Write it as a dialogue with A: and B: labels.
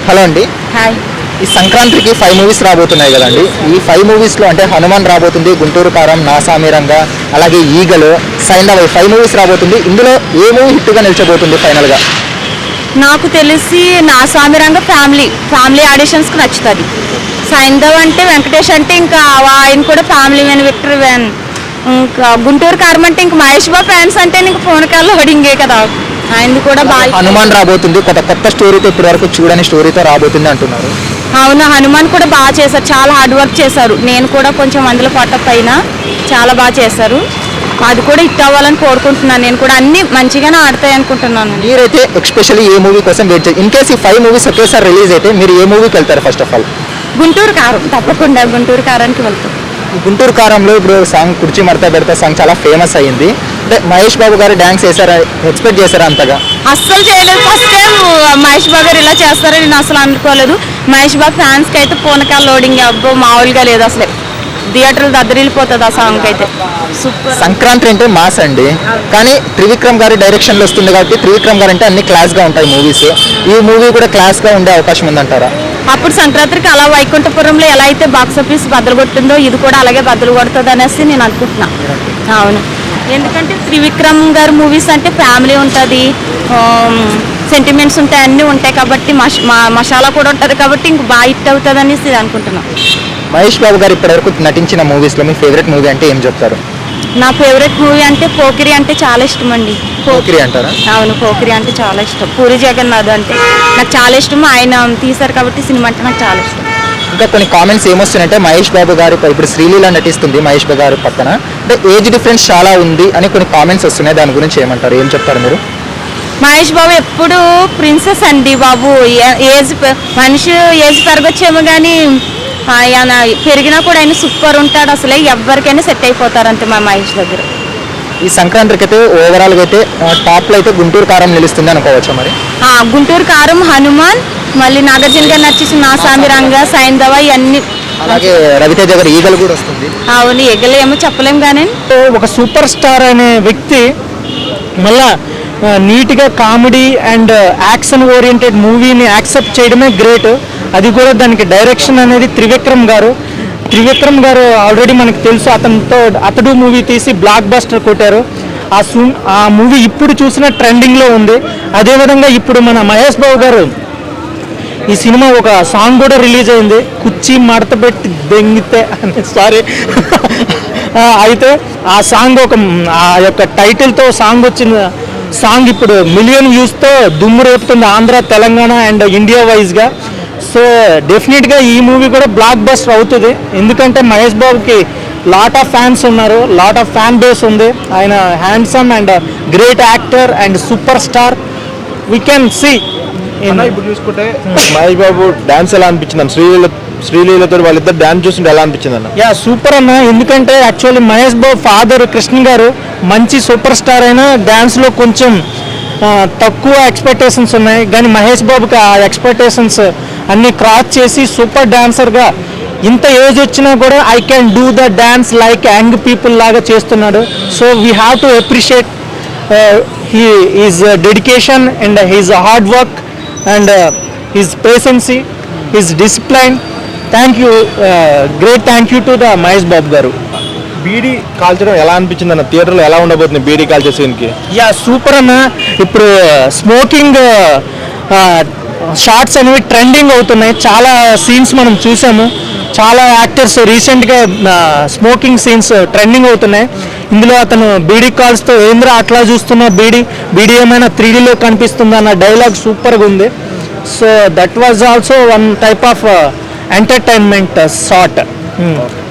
A: Hello అండి.
B: Hi.
A: ఈ సంక్రాంతికి 5 మూవీస్ రాబోతున్నాయి కదండి. ఈ 5 మూవీస్లో అంటే హనుమాన్ రాబోతుంది, గుంటూరు కారం, నా సామిరంగా, అలాగే ఈగలు, సైంధవ 5 మూవీస్ రాబోతుంది. ఇందులో ఏ మూవీ హిట్గా నిలిచబోతుంది ఫైనల్గా?
B: నాకు తెలిసి నా సామిరంగ ఫ్యామిలీ ఆడిషన్స్కి నచ్చుతుంది. సైంధవ్ అంటే వెంకటేష్ అంటే ఇంకా ఆయన కూడా ఫ్యామిలీ మెన్, విక్టర్ వ్యాన్. ఇంకా గుంటూరు కారం అంటే ఇంకా మహేష్ బాబు ఫ్యాన్స్ అంటే ఇంకా ఫోన్ కాల్ లోడింగే కదా, ఆయనది కూడా బాగా.
A: హనుమాన్ రాబోతుంది, కొత్త స్టోరీతో ఇప్పటి వరకు చూడని స్టోరీతో రాబోతుంది అంటున్నారు.
B: అవును, హనుమాన్ కూడా బాగా చేశారు, చాలా హార్డ్ వర్క్ చేశారు. నేను కూడా కొంచెం అందులో పట్టప్ అయినా చాలా బాగా చేశారు. అది కూడా హిట్ అవ్వాలని కోరుకుంటున్నాను. నేను కూడా అన్ని మంచిగానే ఆడతాయి అనుకుంటున్నాను.
A: మీరైతే ఎక్స్పెషల్లీ ఏ మూవీ కోసం వెయిట్ చేయాలి? ఇన్ కేస్ ఈ 5 మూవీస్ ఒకేసారి రిలీజ్ అయితే మీరు ఏ మూవీకి వెళ్తారు ఫస్ట్ ఆఫ్ ఆల్?
B: గుంటూరు కారం, తప్పకుండా గుంటూరు కారానికి వెళ్తాం.
A: గుంటూరు కారంలో ఇప్పుడు సాంగ్ కుర్చీ మడత పెడతా సాంగ్ చాలా ఫేమస్ అయ్యింది. అంటే మహేష్ బాబు గారు డ్యాన్స్ చేశారా, ఎక్స్పెక్ట్ చేశారా అంతగా?
B: అస్సలు చేయలేదు. ఫస్ట్ టైం మహేష్ బాబు గారు ఇలా చేస్తారని నేను అసలు అనుకోలేదు. మహేష్ బాబు ఫ్యాన్స్కి అయితే పూనకాల లోడింగ్ అబ్బో మామూలుగా లేదు అసలే. థియేటర్లు దద్దరిల్లిపోతుంది ఆ సాంగ్ అయితే. సూపర్.
A: సంక్రాంతి అంటే మాస్ అండి, కానీ త్రివిక్రమ్ గారి డైరెక్షన్లో వస్తుంది కాబట్టి త్రివిక్రమ్ గారు అంటే అన్ని క్లాస్గా ఉంటాయి మూవీస్. ఈ మూవీ కూడా క్లాస్గా ఉండే అవకాశం ఉందంటారా?
B: అప్పుడు సంక్రాంతికి అలా వైకుంఠపురంలో ఎలా అయితే బాక్స్ ఆఫీస్ బద్దలు కొట్టిందో ఇది కూడా అలాగే బద్దలు కొడుతుంది అనేసి నేను అనుకుంటున్నా. అవును, ఎందుకంటే త్రివిక్రమ్ గారు మూవీస్ అంటే ఫ్యామిలీ ఉంటుంది, సెంటిమెంట్స్ ఉంటాయి, అన్నీ ఉంటాయి కాబట్టి మసాలా కూడా ఉంటుంది కాబట్టి ఇంక బాగా హిట్ అవుతుంది అనేసి అనుకుంటున్నాను.
A: మహేష్ బాబు గారు ఇప్పటివరకు నటించిన మూవీస్లో మీ ఫేవరెట్ మూవీ అంటే ఏం చెప్తారు?
B: నా ఫేవరెట్ మూవీ అంటే పోకిరి అంటే చాలా ఇష్టం అండి.
A: పోకిరి అంటారా?
B: అవును, పోకిరి అంటే చాలా ఇష్టం. పూరి జగన్నాథ్ అంటే నాకు చాలా ఇష్టం. ఆయన తీశారు కాబట్టి సినిమా అంటే నాకు చాలా ఇష్టం.
A: ఇంకా కొన్ని కామెంట్స్ ఏమొస్తున్నాయంటే మహేష్ బాబు గారు ఇప్పుడు శ్రీలీల నటిస్తుంది మహేష్ బాబు గారు పక్కన, అంటే ఏజ్ డిఫరెన్స్ చాలా ఉంది అని కొన్ని కామెంట్స్ వస్తున్నాయి. దాని గురించి ఏమంటారు, ఏం చెప్తారు మీరు?
B: మహేష్ బాబు ఎప్పుడు ప్రిన్సెస్ అండి బాబు. మనిషి ఏజ్ పెరగొచ్చేమో కానీ ఆయన పెరిగినా కూడా ఆయన సూపర్ ఉంటాడు. అసలే ఎవరికైనా సెట్ అయిపోతారు అంతే మా మహేష్ దగ్గర.
A: ఈ సంక్రాంతికి అయితే ఓవరాల్గా అయితే టాప్లో అయితే గుంటూరు కారం నిలుస్తుంది అనుకోవచ్చా మరి?
B: గుంటూరు కారం, హనుమాన్, మళ్ళీ నాగార్జున గారు నచ్చేసి నా సామిరంగ, సైంధవ ఇవన్నీ.
A: అలాగే రవితేజ గారు ఈగలు కూడా వస్తుంది.
B: అవును, ఈగలు ఏమో చెప్పలేం కానీ
C: ఒక సూపర్ స్టార్ అనే వ్యక్తి మళ్ళా నీట్గా కామెడీ అండ్ యాక్షన్ ఓరియంటెడ్ మూవీని యాక్సెప్ట్ చేయడమే గ్రేట్. అది కూడా దానికి డైరెక్షన్ అనేది త్రివిక్రమ్ గారు ఆల్రెడీ మనకు తెలుసు. అతడు మూవీ తీసి బ్లాక్ బస్టర్ కొట్టారు. ఆ మూవీ ఇప్పుడు చూసిన ట్రెండింగ్లో ఉంది. అదేవిధంగా ఇప్పుడు మన మహేష్ బాబు గారు ఈ సినిమా ఒక సాంగ్ కూడా రిలీజ్ అయింది, కుర్చీ మడత పెట్టి దెంగితే సారీ అయితే ఆ సాంగ్ ఆ యొక్క టైటిల్తో సాంగ్ వచ్చిన సాంగ్ ఇప్పుడు మిలియన్ వ్యూస్తో దుమ్ము రేపుతుంది ఆంధ్ర, తెలంగాణ అండ్ ఇండియా వైజ్గా. సో డెఫినెట్గా ఈ మూవీ కూడా బ్లాక్ బస్టర్ అవుతుంది. ఎందుకంటే మహేష్ బాబుకి లాట్ ఆఫ్ ఫ్యాన్స్ ఉన్నారు, లాట్ ఆఫ్ ఫ్యాన్ బేస్ ఉంది. ఆయన handsome and great actor and super star. We can see.
D: ఇప్పుడు చూసుకుంటే మహేష్ బాబు డాన్స్ ఎలా అనిపించింది? శ్రీలీలతో వాళ్ళిద్దరు డాన్స్ చూస్తుంటే ఎలా అనిపించింది అన్న?
C: యా సూపర్ అన్న. ఎందుకంటే యాక్చువల్లీ మహేష్ బాబు ఫాదర్ కృష్ణ గారు మంచి సూపర్ స్టార్ అయినా డ్యాన్స్లో కొంచెం తక్కువ ఎక్స్పెక్టేషన్స్ ఉన్నాయి. కానీ మహేష్ బాబుకి ఆ ఎక్స్పెక్టేషన్స్ అన్నీ క్రాస్ చేసి సూపర్ డాన్సర్గా ఇంత ఏజ్ వచ్చినా కూడా I can do the dance like young people లాగా చేస్తున్నాడు. So we have to appreciate his dedication and his hard work and his patience, his discipline. Thank you, great thank you to the Mahesh Babu garu.
D: బీడీ కాల్చడం ఎలా అనిపించింది అన్న? థియేటర్లో ఎలా ఉండబోతుంది బీడీ కాల్చే సీన్కి?
C: యా సూపర్ అన్న. ఇప్పుడు స్మోకింగ్ షార్ట్స్ అనేవి ట్రెండింగ్ అవుతున్నాయి. చాలా సీన్స్ మనం చూసాము. చాలా యాక్టర్స్ రీసెంట్గా స్మోకింగ్ సీన్స్ ట్రెండింగ్ అవుతున్నాయి. ఇందులో అతను బీడీ కాల్స్తో ఏంద్ర అట్లా చూస్తున్న బీడీ ఏమైనా 3Dలో కనిపిస్తుందా అన్న డైలాగ్ సూపర్గా ఉంది. So that was also one type of entertainment short.